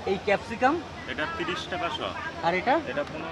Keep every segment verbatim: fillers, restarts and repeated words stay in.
এই ক্যাপসিকাম এটা তিরিশ টাকা শ। আর এটা এটা কোনো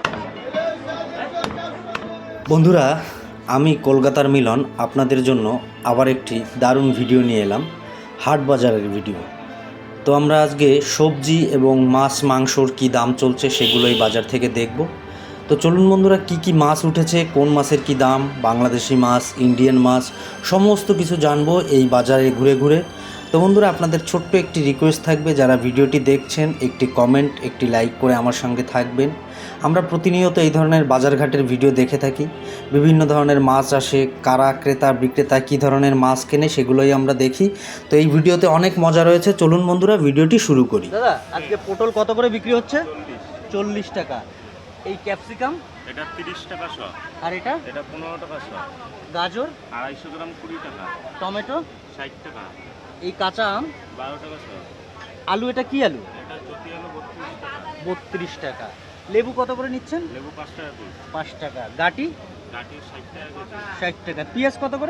বন্ধুরা, আমি কলকাতার মিলন আপনাদের জন্য আবার একটি দারুণ ভিডিও নিয়ে এলাম, হাট বাজারের ভিডিও। তো আমরা আজকে সবজি এবং মাছ মাংসর কি দাম চলছে সেগুলোই বাজার থেকে দেখব। তো চলুন বন্ধুরা, কি কি মাছ উঠেছে, কোন মাছের কি দাম, বাংলাদেশি মাছ, ইন্ডিয়ান মাছ, সমস্ত কিছু জানবো এই বাজারে ঘুরে ঘুরে। তো বন্ধুরা, আপনাদের ছোট্ট একটি রিকোয়েস্ট থাকবে, যারা ভিডিওটি দেখছেন একটি কমেন্ট, একটি লাইক করে আমার সঙ্গে থাকবেন। আমরা প্রতিনিয়ত এই ধরনের বাজারঘাটের ভিডিও দেখে থাকি, বিভিন্ন ধরনের মাছ আসে, কারা ক্রেতা বিক্রেতা কী ধরনের মাছ কেনে সেগুলোই আমরা দেখি। তো এই ভিডিওতে অনেক মজা রয়েছে, চলুন বন্ধুরা ভিডিওটি শুরু করি। দাদা, আজকে পটল কত করে বিক্রি হচ্ছে? চল্লিশ টাকা। এই ক্যাপসিকাম এটা তিরিশ টাকা শ। আর এটা এটা পনেরো টাকা শ। গাজর আড়াইশো গ্রাম কুড়ি টাকা। টমেটো ষাট টাকা। এই কাঁচা আম বারো টাকা শ। আলু, এটা কি আলু? এটা জ্যোতি আলু বত্রিশ টাকা। বত্রিশ টাকা। লেবু কত করে নিচ্ছেন? লেবু পাঁচ টাকা পিস। পাঁচ টাকা। গাটি গাটি ষাট টাকা কেজি। ষাট টাকা। পেঁয়াজ কত করে?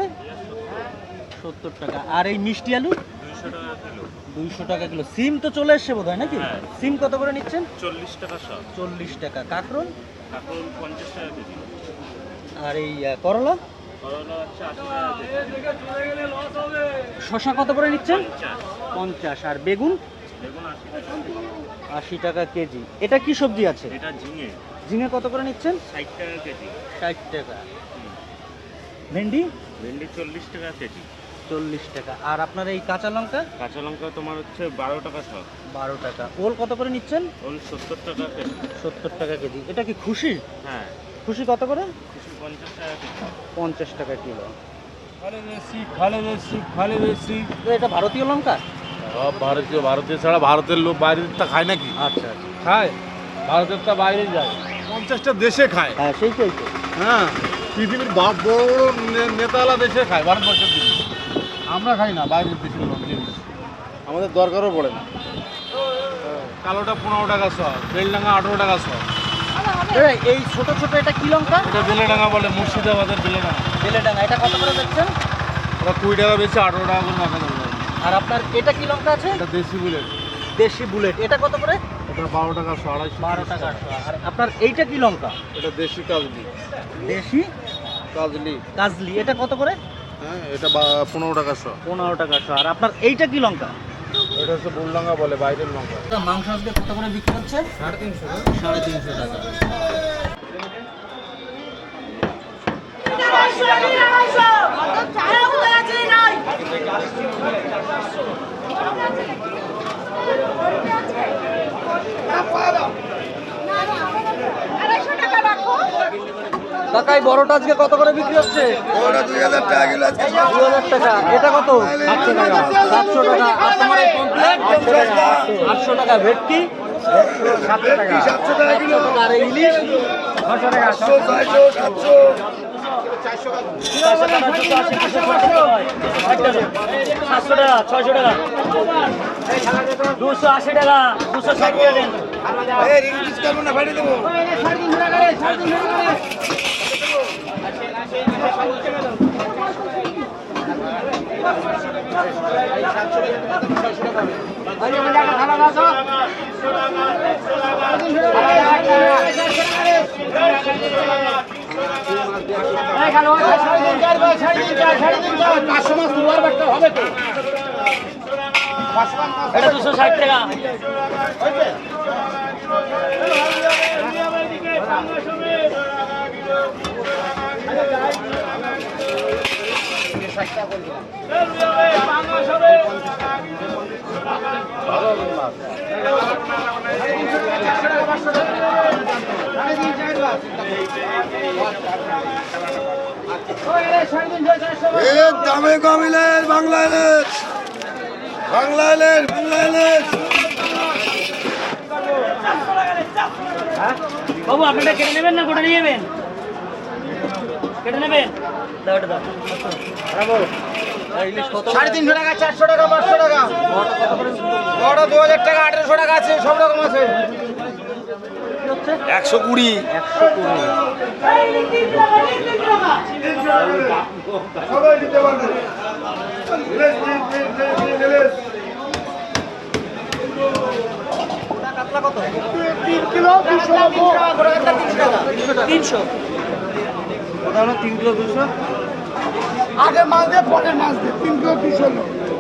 সত্তর টাকা। আর এই মিষ্টি আলু দুইশো টাকা কিলো। দুইশো টাকা কিলো। সিম তো চলে এসছে বোধ হয় নাকি? হ্যাঁ। সিম কত করে নিচ্ছেন? চল্লিশ টাকা শ। চল্লিশ টাকা। কাঁকরোল কাকুল পঞ্চাশ টাকা কেজি। আর এই আহ, করলা করলা হচ্ছে আশি টাকা কেজি। শশা কত করে নিচ্ছেন? পঞ্চাশ। পঞ্চাশ। আর বেগুন বেগুন আশি টাকা কেজি। আশি টাকা কেজি। এটা কি সবজি আছে? এটা ঝিঙে ঝিঙে কত করে নিচ্ছেন? ষাট টাকা কেজি। ষাট টাকা। ভেন্ডি ভেন্ডি চল্লিশ টাকা কেজি। চল্লিশ টাকা। আর আপনার এই কাঁচা লঙ্কা কাঁচা লঙ্কা তোমার হচ্ছে বারো টাকা শ। বারো টাকা। ওল কত করে নিচ্ছেন? ওল সত্তর টাকা কেজি। সত্তর টাকা কেজি। এটা কি খুশি? হ্যাঁ, খুশি কত করে? খুশি পঞ্চাশ টাকা কেজি। পঞ্চাশ টাকা কিলো। খালে বেশি খালে বেশি খালে বেশি তো এটা ভারতীয় লঙ্কা? সব ভারতীয় ভারতীয় ছাড়া ভারতের লোক বাইরের তা খায় নাকি? আচ্ছা আচ্ছা। খায়, ভারতের তা বাইরে যায়, পঞ্চাশটা দেশে খায়। হ্যাঁ, সেইটাই তো। হ্যাঁ, পৃথিবীর বা- বড় বড় নে- নেতাওয়ালা দেশে খায় ভারতবর্ষের জিনিস। আমরা খাই না বাইরের দেশের লোক জিনিস, আমাদের দরকারও পড়ে না। কালোটা পনেরো টাকা শ, বেলডাঙ্গা আঠেরো টাকা শ। দাদা, এই ছোট ছোট এটা কি লঙ্কা? এটা বেলেডাঙ্গা বলে, মুর্শিদাবাদের বেলেডাঙ্গা। বেলেডাঙ্গা। এটা কত করে বেচছেন? ওরা কুড়ি টাকা বেশি আঠেরো টাকা করে মাখা দেবে। আর আপনার এটা কি লঙ্কা আছে? এটা দেশি বুলেট, দেশি বুলেট। এটা কত করে? এটা বারো টাকা শ, আড়াইশো বারো টাকা আটশো। আর আপনার এইটা কি লঙ্কা? এটা দেশি কাজলি। দেশি কাজলি, কাজলি। এটা কত করে? হ্যাঁ, এটা বা- পনেরো টাকা শ। পনেরো টাকা শো। আর আপনার এইটা কি লঙ্কা? এটা হচ্ছে বুলডাঙ্গা বলে, বাইরের লঙ্কা। মাংস আজকে কত করে বিক্রি হচ্ছে? সাড়ে তিনশো। সাড়ে তিনশো টাকা। কাকা, এই বড়টা আজকে কত করে বিক্রি হচ্ছে? দুই হাজার টাকা কিলো আছে। দুই হাজার টাকা। এটা কত? সাতশো টাকা। সাতশো টাকা। আর তোমার এই পমফ্রেট? আটশো টাকা। ভেটকি সাতশো টাকা। সাতশো টাকা কিলো। আর এই ইলিশ ছশো টাকা। ছয়শো, ছয়শো, সাতশো। সাতশো টাকা। ছয়শো টাকা। দুশো আশি টাকা। দুশো ষাট টাকা দেন। এই রিলিজ করবো না, ফাটিয়ে দেবো। এটা দুশো ষাট টাকা। এর দামে কমিলেন বাংলা ইলিশ, বাংলা ইলিশ, বাংলা ইলিশ। বাবু, আপনারা কেটে নেবেন না গোটা নিয়ে যাবেন? কেটে নেবেন? দাও, এটা দাও। ইলিশ কত? সাড়ে তিনশো টাকা, চারশো টাকা, পাঁচশো টাকা। বড় দু হাজার টাকা, আঠেরোশো টাকা আছে, সব রকম আছে। একশো কুড়ি। একশো কুড়ি। সবাই দিতে পারবে। ইলিশ, ইলিশ, ইলিশ, ইলিশ। এটা কত? তিন কিলো দুশো তিনশো। ওটা হলো তিন কিলো দুশো। আগে মাছ দিয়ে পরের মাছ দিয়ে তিন কিলো দুশো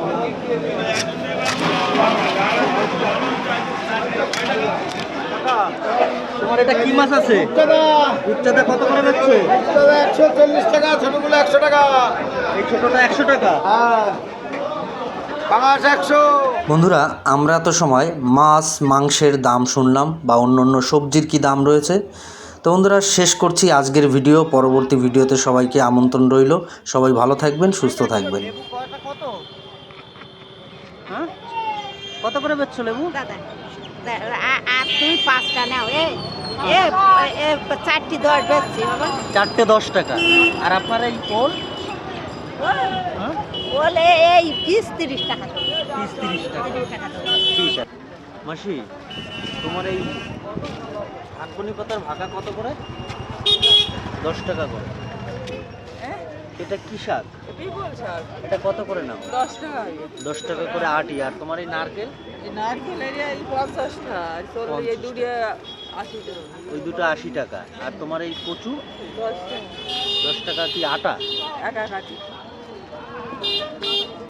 তোমার এটা কি মাছ আছে? দাদা উচ্চতা কত করে বেচছো? দাদা একশো চল্লিশ টাকা, ছোটগুলো একশো টাকা। এই ছোটটা একশো টাকা। হ্যাঁ পাঙাশ একশো। বন্ধুরা আমরা তো সময় মাছ মাংসের দাম শুনলাম বা অন্য অন্য সবজির কি দাম রয়েছে। তো বন্ধুরা শেষ করছি আজকের ভিডিও। পরবর্তী ভিডিওতে সবাইকে আমন্ত্রণ রইল। সবাই ভালো থাকবেন, সুস্থ থাকবেন। লেবু কয়টা কত? হ্যাঁ কত করে বেচছো লেবু? দাদা আ- আর তুই পাঁচটা নাও এ এ এ চারটি দশ বেচছি বাবা চারটে দশ টাকা। আর আপনার এই পোল? বলে এই বিশ তিরিশ টাকা দেবো। তিরিশ তিরিশ টাকা। তিরিশ টাকা দেবো। ঠিক আছে মাসি, তোমার এই আগুনি পাতার ভাগা কত করে? দশ টাকা করে। এটা কি শাক? বিপুল শাক এটা কত করে নাও? দশ টাকা দশ টাকা করে আটি। আর তোমার এই নারকেল? এই নারকেলের এই পঞ্চাশটা আর চল্লিশ এই দুটো আশি টাকা ওই দুটো আশি টাকা। আর তোমার এই কচু? দশ টাকা দশ টাকা কি আটা? একা কাটি